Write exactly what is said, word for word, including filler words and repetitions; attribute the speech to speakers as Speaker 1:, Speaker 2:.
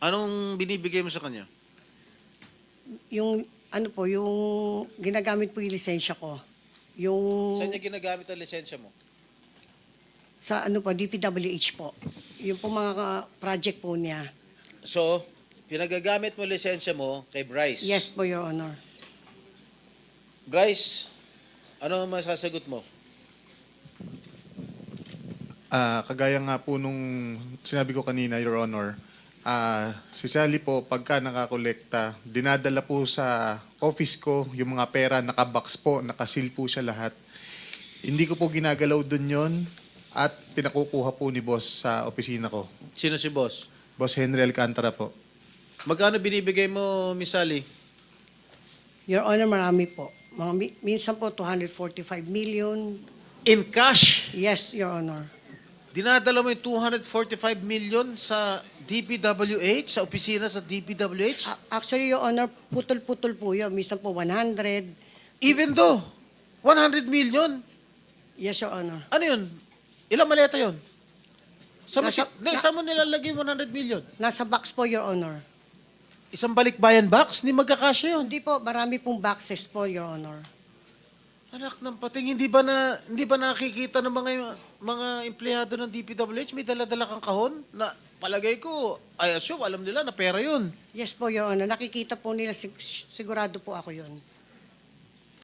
Speaker 1: Anong binibigay mo sa kanya?
Speaker 2: Yung, ano po, yung ginagamit po yung lisensya ko. Yung
Speaker 1: Saan niya ginagamit ang lisensya mo?
Speaker 2: sa ano po, D P W H po. Yung po mga ka- project po niya.
Speaker 1: So, pinagagamit mo lisensya mo kay Bryce.
Speaker 2: Yes po, Your Honor.
Speaker 1: Bryce, ano ang masasagot mo?
Speaker 3: Ah, kagaya nga po nung sinabi ko kanina, Your Honor, ah, si Sally po, pagka nakakolekta, dinadala po sa office ko yung mga pera, nakabox po, nakasil po siya lahat. Hindi ko po ginagalaw dun yon at pinakukuha po ni boss sa opisina ko.
Speaker 1: Sino si boss?
Speaker 3: Boss Henry Alcantara po.
Speaker 1: Magkano binibigay mo, Miss Sally?
Speaker 2: Your Honor, marami po. Mga, mi- minsan po, two hundred forty-five million.
Speaker 1: In cash?
Speaker 2: Yes, Your Honor.
Speaker 1: Dinadala mo yung two hundred forty-five million sa D P W H, sa opisina sa D P W H?
Speaker 2: A- Actually, Your Honor, putol-putol po yun. Minsan po, one hundred.
Speaker 1: Even though, one hundred million?
Speaker 2: Yes, Your Honor.
Speaker 1: Ano yun? Ilang maleta yun? Sa,
Speaker 2: Nasa-
Speaker 1: Nasa, na, saan mo nilalagay one hundred million?
Speaker 2: Nasa box po, Your Honor.
Speaker 1: Isang balikbayan box? Hindi magkakasya yun.
Speaker 2: Hindi po, marami pong boxes po, Your Honor.
Speaker 1: Anak ng pating, hindi ba na hindi ba nakikita ng mga mga empleyado ng D P W H may dala-dala kang kahon na palagay ko, I assume alam nila na pera 'yun.
Speaker 2: Yes po, Your Honor. Nakikita po nila, sig- sigurado po ako yun.